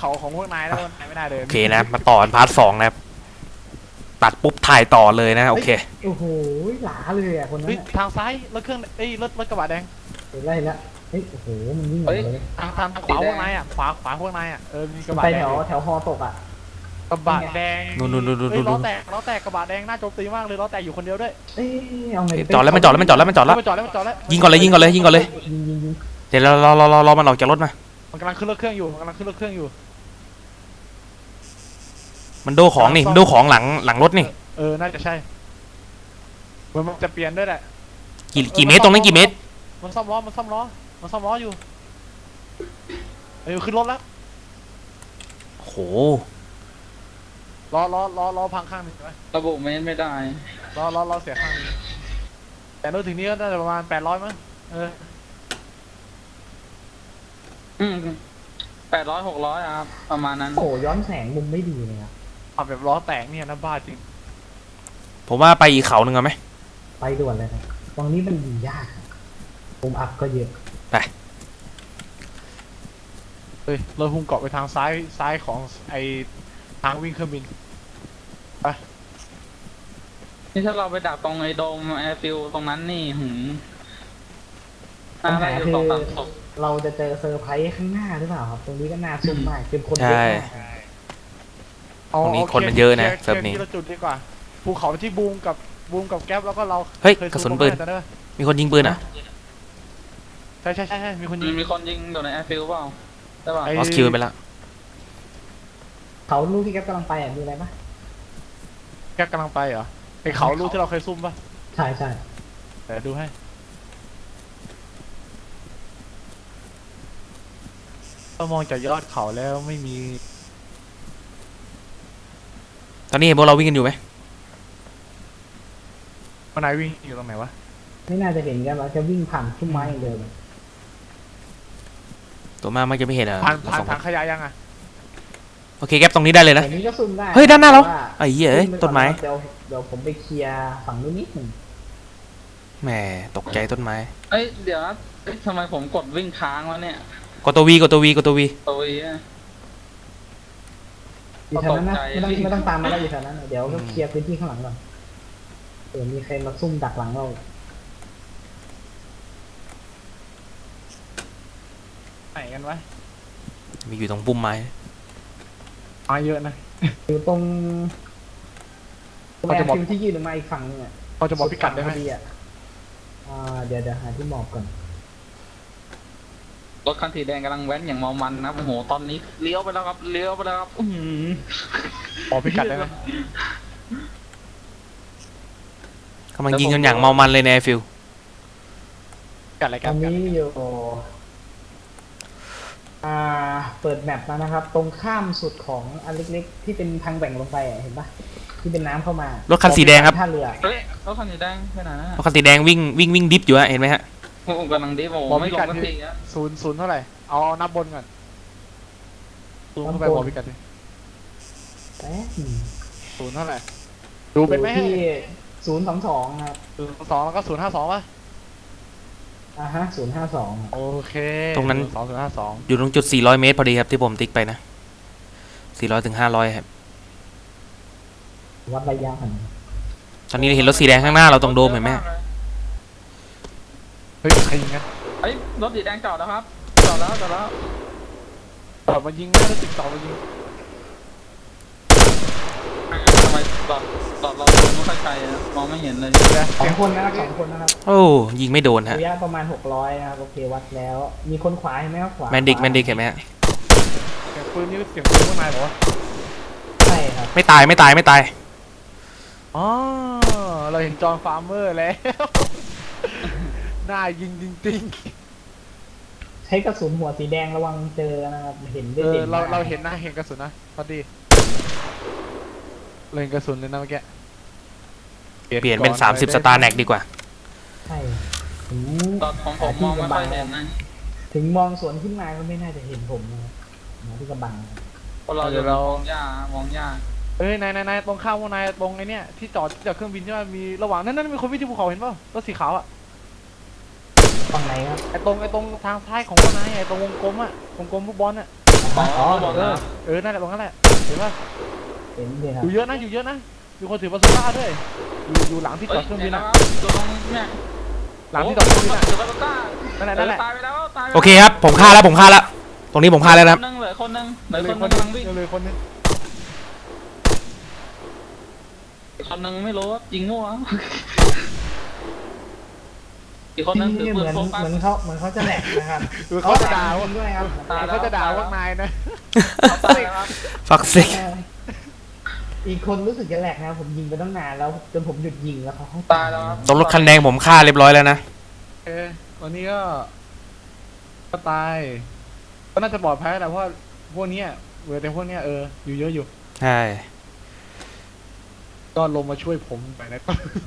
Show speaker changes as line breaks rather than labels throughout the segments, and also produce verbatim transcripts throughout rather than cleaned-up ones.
เขาของพวกนายแล้วนายไม่ได้เลย
โอเคนะมาต่อพาร์ทสองนะครับตัดปุ๊บถ่ายต่อเลยนะโอเค
โอ้โหหลาเลยอ่ะคนนั้น
ทางซ้ายรถเครื่องเอ้ยรถรถกระบะแดง
เห็นไรละเฮ้ยโอ้โหมันวิ่งเลย
ทางทางขวาพวกนายอ่ะขวาขวาพวกนายอ่ะเออมีกระบะ
ไป
แดง
แถวแถวฮอตกอ่ะ
กระบะแดง
นู่นนู่นนู่นนู่น
ล้อแตกล้อแตกกระบะแดงน่าโจมตีมากเลยล้อแตกอยู่คนเดียวด้วย
เอ้ยเอาไง
จอดแล้วมันจอดแล้วมันจอดแล้วมันจอดแล้ว
มันจอดแล้วมันจอดแล้ว
ยิงก่อนเลยยิงก่อนเลยยิงก่อนเลยเดี๋ยวเรารอรอรอมันออกจากรถมา
มันกำลังขึ้นรถเครื่องอยู่มันกำลังขึ้นรถเครื่องอยู่
มันโดของนี่มันโดของหลังหลังรถนี่
เออน่าจะใช่มันจะเปลี่ยนด้วยแหละ
กี่กี่เมตรตรงนั้นกี่เมตร
มันซ่อมล้อมันซ่อมล้อมันซ่อมล้ออยู่เออขึ้นรถแล้ว
โห
ล้อล้อล้อล้อพังข้างนึงไหม
ระบุเมตรไม่ได้
ล้อล้อล้อเสียข้างนึงแต่รถถึงนี้ก็น่าจะประมาณแปดร้อยมั้งเออ
อืมแปดร้อยหกร้อยครับประมาณนั้น
โอ้ย้อนแสงมุมไม่ดีเลยครับ
เอาแบบล้อแตกเนี่ยนะบ้าจริง
ผมว่าไปอีกเขาหนึ่งเอาไหม
ไปด่วนเลยครับตรงนี้มันดียากมุมอัพก็เยอะ
ไป
เฮ้ยเราพุ่งเกาะไปทางซ้ายซ้ายของไอทางวิ่งเครื่องบินไป
นี่ถ้าเราไปดักตรงไอ้โดมแอร์ฟิลตรงนั้นนี่หืม
ปัญหาคือเราจะเจอเซอร์ไพรส์ข้างหน้าหรือเปล่าครับตรงนี้ก็น่าซุ่มมากเป็นคนเยอะมาก
ตรงนี้คนมันเยอะนะเซิร์ฟนี้
จุดดีกว่าภูเขาที่บูมกับบูมกับแก๊ปแล้วก็เรา
เฮ้ยกระสุนปืนมีคนยิงปืนอ่ะ
ใช่ใช่ใช่มีคนยิง
มีคนยิงโดนในแอร์ฟิลเปล่าใช่ป่ะ
ลอสคิวไปแล้ว
เขาลูกที่แก๊ปกำลังไปอ่ะมีอะไรปะ
แก๊ปกำลังไปเหรอไอเขาลูกที่เราเคยซุ่มปะ
ใช่ใช่
แต่ดูให้เรามองจากยอดเขาแล้วไม่มี
ตอนนี้เห็นพวกเราวิ่งกันอยู่ไหม
มันนายวิ่งอยู่ตรงไหนวะ
ไม่น่าจะเห็นกันเราจะวิ่งผ่านพุ่มไม้อย่างเดิม
ตัวมากไม่จะไม่เห็นอ่ะ
ผ่านผ่านทางขยะยังอ่ะ
โอเคแก๊ปตรงนี้ได้เลยนะ
นี้ก็ซุ่มได้
เฮ้ยด้านหน้าเราไอ้เหี้ยต้นไม้
เดี๋ยวเดี๋ยวผมไปเคลียร์ฝั่งนู้นนิดหนึ่ง
แหมตกใจต้นไม้
เอ้ยเดี๋ยวนะทำไมผมกดวิ่งค้างวะเนี่ย
กดตัววีกดตัววีกดตัววี
ตัววี
อยู่แถวนั้นนะไม่ต้องไม่ต้องตามมาแล้วอยู่แถวนั้นเดี๋ยวก็เคลียร์พื้นที่ข้างหลังก่อนเดี๋ยวมีใครมาซุ่มดักหลังเรา
ไหนกันวะ
มีอยู่ตรงปุ่มไม้
มาเยอะนะ
อยู่ตรงแอร์ฟิลที่ยืนออกมาอีกฝั่งนึงอ่ะ
พอจะบอกพิกัดได้ไหม
อ่าเดี๋ยวเดี๋ยวหาที่หมอบก่อน
รถคันสีแดงกำลังแว้นอย่างเมามันนะโอ้โหตอนนี้เลี้ยวไปแล้วครับเลี้ยวไปแล้วครับอืม
บอกพิกัดได้ไหม
กำลังยิงกันอย่างเมามันเลยในฟิล
กัดอะไรกัน
ตอนนี้อยู่อ่าเปิดแมปแล้วนะครับตรงข้ามสุดของอันเล็กๆที่เป็นทางแบ่งลงไปเห็นปะที่เป็นน้ำเข้ามาร
ถคันสีแดงครับ
ท่าเรือ
เฮ้ยรถคันสีแดงไปไหนนะ
รถคันสีแดงวิ่งวิ่งวิ่งดิฟอยู่ฮะเห็นไหมฮะ
ผมกำลังดิฟโอ้ไม่ลงสักทีอ่ะ
ศูนย์ศูนย์เท่าไหร่เอานับบนก่อนศูนย์เข้าไปบอกพิกัดดิศูนย์เท่าไหร่ดูเป็นไหม
ที่ศูนย์สองสองครับ
ศูนย์สองแล้วก็ศูนย์ห้าสองป่ะ
อ่าฮะศูนย์ห้าสอง
โอเค
ตรงนั้น
สองศูนย์ห้าสอง
อยู่ตรงจุดสี่ร้อยเมตรพอดีครับที่ผมติ๊กไปนะสี่ร้อยถึงห้าร้อยครับ
วัดระยะกัน
ตอนนี้เห็นรถสีแดงข้างหน้าเราตรงโดมเห็นไหม
เฮ้ยใครยิงกัน
เฮ้ยรถสีแดงจอดแล้วครับจอดแล้วจอดแล้ว
จอดมายิงนะรถติดต่อมายิง
ทำไมจอดจอดเราไม่ค่อยไกลมองไม่เห็นเลย
สองคนนะครับสองคนนะครับ
โอ้ยิงไม่โดนฮะ
ระยะประมาณหกร้อยนะครับโอเควัดแล้วมีคนขวาเห็นไหมครับขวา
แมนดิกแมนดิกเห็นไหมฮะ
เสียงปืนนี่เสียงปืนข้างในเหรอ
ใช่ครับ
ไม่ตายไม่ตายไม่ตาย
อ๋อเราเห็นจอห์นฟาร์เมอร์แล้วน่ายิงจริง
ๆใช้กระสุนหัวสีแดงระวังเจอนะครับเห็นได้เด่น
เราเราเห็นนะเห็นกระสุนนะพอดีเล็งกระสุนเลยนะเมื่อกี้
เปลี่ยนเป็นสามสิบสตาร์แน็กดีกว่า
ใช่ถึง
ตอนของผมมองไม่ค่อยเห็นนะ
ถึงมองสวนขึ้นมาก็ไม่น่าจะเห็นผมนะมาที่กระบัง
เราจะมองยากมองยาก
เอ้ยนายนายนายตรงข้าวพวกนายตรงไอ้เนี่ยที่จอดจากเครื่องบินใช่ไหมมีระหว่างนั้นนั่นมีคนวิ่งที่ภูเขาเห็นป่ะรถสีขาวอ่ะ
ฝั่งไหนครับ
ไอ้ตรงไอ้ตรงทางซ้ายของพวกนายไอ้ตรงวงกลมอ่ะวงกลมฟุตบอลอ่ะ
อ๋อ
อ๋อ
อ๋อ
บอก
เอ
นะ
อเออนั่นแหละตรงนั้นแหละเห็นป่ะ
เห็นเลยครับ
อยู่เยอะนะอยู่เยอะนะมีคนถือปาซูก้าด้วยอยู่อยู่หลังที่จ
เฮ้
อย ดเครื่องบิน
เห็น
อะ
แล้วครับอยู่ตรงเนี่ย
หลังที่จอดเครื่องบินอะ
ถือปาซูก้า
นั่นแหละนั่นแหละ
ตายไปแล้วตายไปแล้ว
โอเคครับ ผมฆ่าแล้วผมฆ่าแล้ว ตรงนี้ผมฆ่าแล้วนะครับ
คนนึงเหลือคนนึงเหลือ
เลย
คน
ค
นึ
น
ง
นึ
กำลั
ง
งวิ่ง
เลยคนนึง
อีกคนนึงไม่รู้ยิงมั่วอีกคนนึงถือ
นี่
ปื
เหมื
น
อน
โฟกัส
เหมือนเขาเหมือนเขาจะแหลกนะครับ
คือเขาจะด่าว่า
จริงด้วยครับ
ตายแล้ว
เขาจะด่าพวกนายนะ
ตายแล้วครับ
ฟักซิก
อีกคนรู้สึกจะแหลกนะครับผมยิงไปตั้งนานแล้วจนผมหยุดยิงแล้วเขาเข้
ตายแล้วครับ
ตรงรถคันแดงผมฆ่าเรียบร้อยแล้วนะ
เออวันนี้ก็ก็ตายก็น่าจะปลอดภัยแหละเพราะว่าพวกเนี้ยเวอร์แต่พวกเนี้ยเอออยู่เยอะอยู่
ใช่
ก็ลงมาช่วยผมไปนะ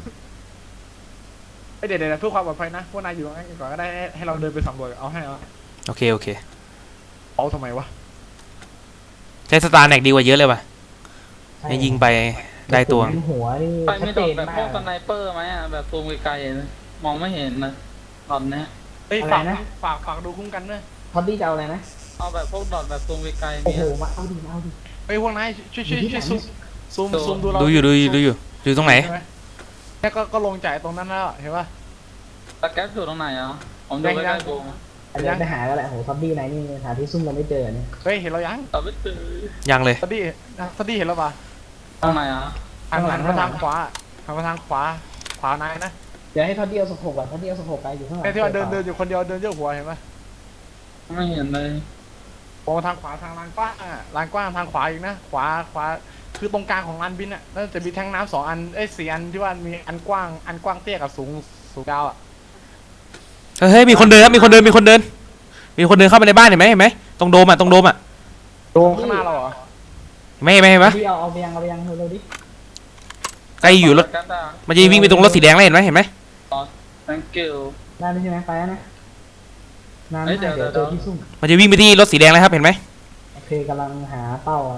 เอ้ยเดี๋ยวเดี๋ยวเพื่อความปลอดภัยนะพวกนายอยู่ตรงนั้นก่อนก็ได้ให้ให้เราเดินไปสำรวจเอาให้เอา
โอเคโอเค
เอาทำไมวะ
ใช้สตาร์แน็กดีกว่าเยอะเลยว่ะให้ยิงไปได้ตัว
หัวนี่
ไป
ชั
ไม่
ด
โด
เจ
น
น
แบบ
มา
พวก
ก
สไนเปอร์ไหมอ่ะแบบซูมไกลๆนะมองไม่เห็นนะตอนเนี้ย
เฮ้ยฝากฝากฝากดูคุ้มกันด้วย
พอดดี้จะเอาอะไรนะ
เอาแบบพวกดอทแบบซูมไกลๆ
โอ้
มี
โหมาเอาดิเอาดิ
เฮ้ยพวกนายช่วยช่วยช่วยซูมซูมซูมดูเรา
ดูอยู่ดูอยู่ดูอยู่อยู่ตรงไหน
ใช่แค่ก็ก็ลงจากตรงนั้นแล้วเห็นป่ะ
ตะแก๊สอยู่ตรงไหนอ่ะผมดู
ยัง
ใก
ยั
ล้
ง
ๆกู
อันนี้ไปหาก็แหละโหพอดดี้ไหนนี่หาที่ซุ่มเราไม่เจอเนี่ย
เฮ้ยเห็นเรายัง
แต่ไม่เจอ
ยังเลย
สตี้สตี้เห็นเราปะ
ตรงไหนอ่ะ
ทางหลังมาทางขวาทางมาทางขวาขวานายนะ
เดี๋ยวให้พอดดี้เอาสกปรกก่อนพอดดี้เอาสกปรกไปอยู่ข้างหลัง
ไอ้ที่ว่าเดินเดินอยู่คนเดียวเดินเยอะหัวเห็นป่ะ
ไม่เห็นเลย
มองทางขวาทางลานกว้างอ่ะลานกว้างทางขวาอีกนะขวาขวาคือตรงกลางของลานบินอ่ะแล้วจะมีแทงน้ำสองอันเอ้ยสี่อันที่ว่ามีอันกว้างอันกว้างเตี้ยกับสูงสูงยาวอ่ะ
เฮ้ยมีคนเดินครับมีคนเดินมีคนเดิน มีคนเดินเข้ามาในบ้านเห็นไหมเห็นไหมตรงโดมอ่ะตรงโดมอ่ะ
โดนข้างหน้าเราเหรอ
เห็นไหมเห็นไหมเห็นไหม
พี่เอาเอาไปยังเอาไปยังเร็วๆดิ
ใกล้อยู่รถ
ตะแก๊สอ่ะ
มันจะวิ่งไปตรงรถสีแดงแล้วเห็นไหมเห็นไหม
thank you
ได้ไหมใช่ไหมไปแล้วนะนาน
เฮ้
มาย ก
เดี๋
เดี๋
ย
ยว ว
เดี๋
เจ
ยว
อที่ซุ่ม
มันจะวิ่งไปที่รถสีแดงแล้วครับเห็นไหม
โอเคกำลังหาเป้าอะ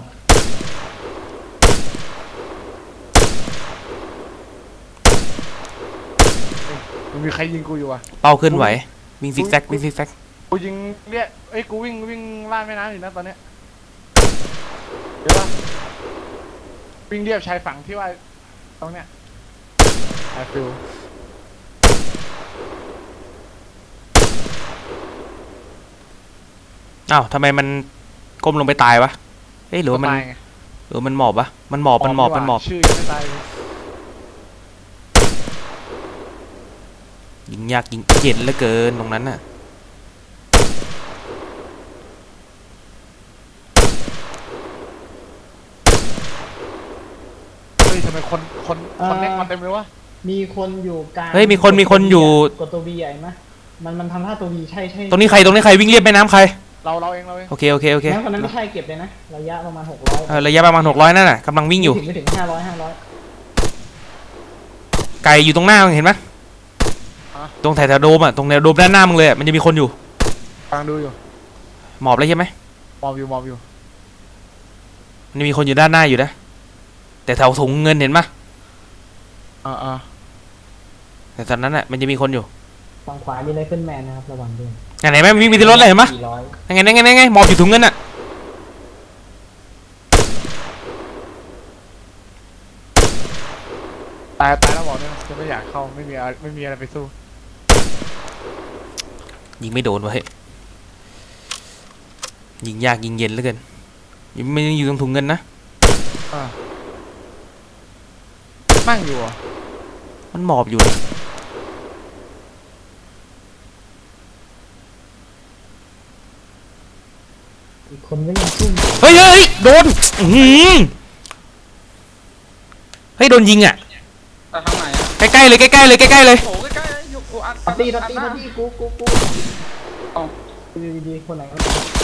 มันมีใครยิงกูอยู่อ่ะ
เป้าเคลื่อนไหววิ่งซิกแซกวิ่งซิกแซก
กูยิงเรียกเอ้ยกูวิ่งวิ่งล่าดแม่น้ำอยู่นะตอนเนี้ยเดี๋ยวว่าวิ่งเรียบชายฝั่งที่ว่าตรงเนี้ยไอฟิล
อ้าวทำไมมันก้มลงไปตายวะเฮ้ยหรือว่ามัน
ตายไง
หรือว่ามันหมอบวะมันหมอบมันหมอบมันหมอบ
ชื่อยังไม่ตายเลย
ยิงยากยิงเย็นเหลือเกินตรงนั้นน่ะ
เฮ้ยทำไมคนคนคนเน็กมาเต็มเลยวะ
มีคนอยู่กลาง
เฮ้ยมีคนมีคนอยู่
กดตัววีใหญ่ไหมมันมันทำท่าตัววีใช่ใช่
ตรงนี้ใครตรงนี้ใครวิ่งเรียบแม่น้ำใคร
เราเราเองเราเอง
โอเคโอเคโอเค
งั้นคนนั้นไม่ใช่เก็บเลยนะระยะประมาณหกร้อย
เออระยะประมาณหกร้อยนั่นน่ะกำลังวิ่งอยู่
ไม่ถึงไม่ถึงห้าร้อยห้าร้อย
ไก่อยู่ตรงหน้ามึงเห็นไหมตรงแถวๆโดมอ่ะตรงแนวโดมด้านหน้ามึงเลยอะมันจะมีคนอยู่
กำลังดูอยู่
หมอบเลยใช่ไหม
มองอยู่มองอยู่
มันจะมีคนอยู่ด้านหน้าอยู่นะแต่แถวถุงเงินเห็นปะ
อ่าอ่า
แต่ตอนนั้นอ่ะมันจะมีคนอยู่
ฝั่งขวามีไรเฟิลแมนนะครับระวังด้วย
ไหนไหมมีมีที่รถเลยเห็นปะ
สี่ร้อย
ยังไงยังไงยังไงหมอบอยู่ถุงเงินอ่ะ
ตายตายแล้วบอกเนี่ยจะไม่อยากเข้าไม่มีอะไรไม่มีอะไรไปสู้
ยิงไม่โดนวะเฮ้ยยิงยากยิงเย็นเหลือเกินยังไม่อยู่ตรงถุงเงินนะ
อ่านั่งอยู่เหรอ
มันหมอบอยู่
อีกคนก็ยังซุ่ม
เฮ้ยเฮ้ยเฮ้ยโดนอื้อหือเฮ้ยโดนยิงอ่ะ
แต่ทางไหนอ่ะ
ใกล้ๆเลยใกล้ๆเลยใกล้ๆเลย
โอ้ใกล้ๆเลยอยู่กูอัด
ตัดตี้ตัด
อั
ตี้
ห
ตั
น้า
ดตี้กูกูกู
เอ้า
ดีดีๆคนไหนก็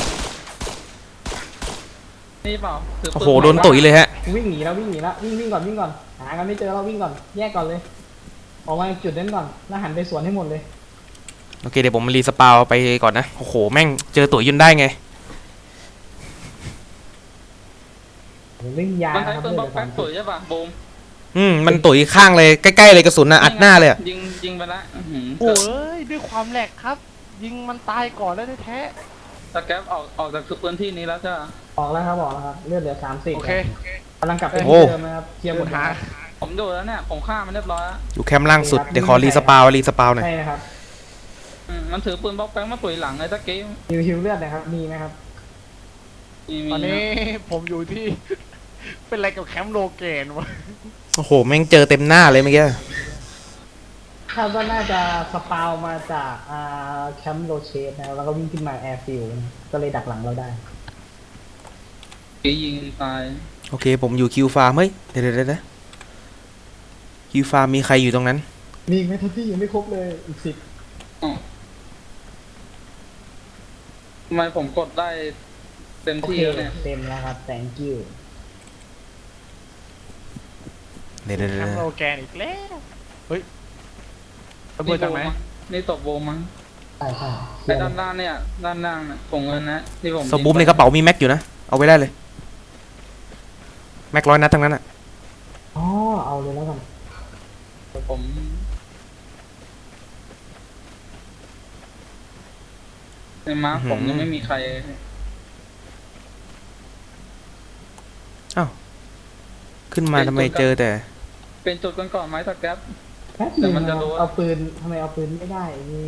นี่เปล่าถืปื
โอ้โหโดนตุ๋ยเลยฮะ
วิ่งหนีแล้ววิ่งหนีแล้ววิ่งวิ่งก่อนวิ่งก่อนหากันไม่เจอเราวิ่งก่อนแยกก่อนเลยออกมาจุดนั้นก่อนแล้วหันไปสวนให้หมดเลย
โอเคเดี๋ยวผมรีสปาวไปก่อนนะโอ้โหแม่งเจอตุ๋ยยนได้ไง
ผมวิ่งยา
มันใช้
ครับ
ปืน
เพื่
บ
อ
อน ก
จะ
แป๊ก
ทำ
ตุ๋ยใช่ป่ะบูม
อืมมันตุ๋ยข้างเลยใกล้ๆเลยกระสุนน่ะอัดหน้าเลยอะ
ยิงยิงไปละอื้อหือ
โอ้ยด้วยความแหลกครับ ยิงมันตายก่อนแล้วแท้
ตะแก๊ปออกออกจากพื้นที่นี้แล้วจ้ะ
ออกแล้วครับออกแล้วครับเลือดเหลือสามสิบ
โอเค
กำลังกลับไป
โอ้
ที่เดิมนะครับเคลียร์หม
คุ
ด
ณหา
ผมดูแล้วเนี่ยผมฆ่ามันเรียบร้อยแล้ว
อยู่แคมป์ล่างสุดเดี๋ยวขอรีสปาวรีสปาวหน่อย
ใช่ครับ
อืมมันถือปืนบล็อกแป้งมาตุ๋ยหลังเลยตะกี้
ฮิวฮิวเลือดนะครับมีไหมครับ
มีมี
ตอนนี้ผมอยู่ที่ เป็นอะไรกับแคมป์โลเกนวะ
โอ้โหแม่งเจอเต็มหน้าเลยเมื่อกี้
คาดว่าน่าจะสปาวมาจากอ่าแคมป์โรเชสนะครับแล้วก็วิ่งขึ้นมาแอร์ฟิลด์ก็เลยดักหลังเราได้
กี้ยิงตาย
โอเคผมอยู่คิวฟาร์มเฮ้ยเดี๋ยวเดี๋ยวเดี๋ยวคิวฟาร์มมีใครอยู่ตรงนั้น
มีอีกไหมทัพพี่ยังไม่ครบเลยอีกสิบ
อ๋อทำไมผมกดได้เต็ม
โอ
ที่
เค
แล้วเนี่ย
เต็มแล้วครับ thank you
เดี๋ยวเดี๋ยว
แค
เดี๋ยว
มป์โลแกนอีกแล้วเฮ้ยระเบิดจากไหน
นี่ตบโบมั้ง
ใช่ใช่
ไอ้ด้านล่างเนี่ยด้านล่างเนี่ยผงเงินนะที่ผม
สบูมในกระเป๋ามีแม็กอยู่นะ เอาไว้ได้เลย แม็กร้อยนัดทั้งนั้นอ่ะ
อ๋อเอาเลยแล้วกัน
ผมในมาร์คผมยังไม่มีใคร
ขึ้นมาทำไมเจอแต่
เป็นจุดกันก่อนไหมตะแก๊ป
แป๊บ
แต่
นึง
มัน
นะ
จะ
ค
รู้
รับ
ว่า
เอาปืนทำไมเอาปืนไม่ได้นี่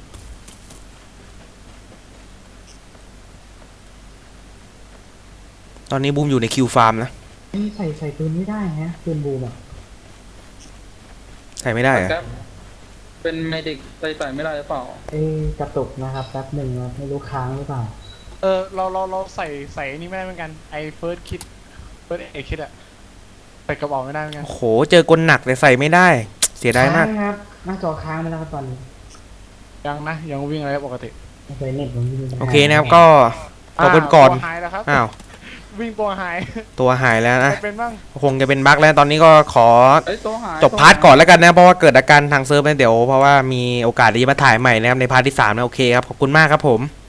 ตอนนี้บูมอยู่ในคิวฟาร์มนะ
นี่ใส่ใส่ปืนไม่ได้ฮะปืนบูมอ่ะ
ใส่ไม่ได้
ตะ
อะ
แก๊ปเป็นเมดิกใส่ใส่ไม่ได้หรือเปล่า
เอ้ยกระตุกนะครับแป๊บหนึ่งนะไม่รู้ค้างหรือเปล่า
เออเราเราเราใส่ใส่นี่ไม่ได้เหมือนกันไอ้เฟิร์สคิดเฟิร์สเอคิดอะใส่กระบอกไม่ได้เหมือนกัน
โอ้โหเจอกลหนักแต่ใส่ไม่ได้ เสียดายมาก
ค้งครับหน้าจอค้างไปแล้วครับตอนนี้
ยังนะยังวิ่งอะไรปกติ
ไม่เคยเน็ตผมไม่ได้
โอเคนะครับก็ขอบคุณก่อน
ตัวหายแล้วครับ
อ้าว
วิ่งตัวหาย
ตัวหายแล้วนะ
ใครเป็นบ้าง
คงจะเป็นบั๊กแล้วตอนนี้ก็ขอ
เอ้ยตัวหาย
จบพาร์ทก่อนแล้วกันนะ เพราะว่าเกิดอาการทางเซิร์ฟนะเดี๋ยวเพราะว่ามีโอกาสที่จะมาถ่ายใหม่นะครับในพาร์ทที่สามนะโอเคครับขอบคุณมากครับผม